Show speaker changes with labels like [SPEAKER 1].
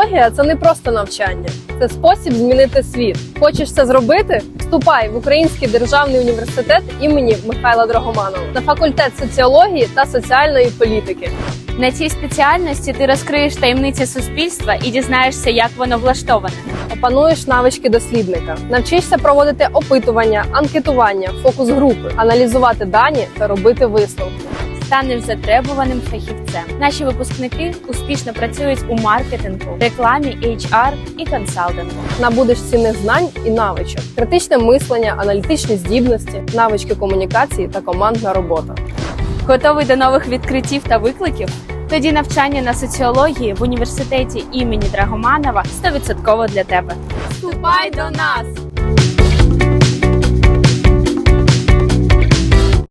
[SPEAKER 1] Соціологія – це не просто навчання, це спосіб змінити світ. Хочеш це зробити? Вступай в Український державний університет імені Михайла Драгоманова на факультет соціології та соціальної політики.
[SPEAKER 2] На цій спеціальності ти розкриєш таємниці суспільства і дізнаєшся, як воно влаштоване.
[SPEAKER 1] Опануєш навички дослідника, навчишся проводити опитування, анкетування, фокус-групи, аналізувати дані та робити висновки.
[SPEAKER 2] Станеш затребуваним фахівцем. Наші випускники успішно працюють у маркетингу, рекламі, HR і консалтингу.
[SPEAKER 1] Набудеш цінних знань і навичок, критичне мислення, аналітичні здібності, навички комунікації та командна робота.
[SPEAKER 2] Готовий до нових відкриттів та викликів? Тоді навчання на соціології в університеті імені Драгоманова 100% для тебе.
[SPEAKER 1] Вступай до нас!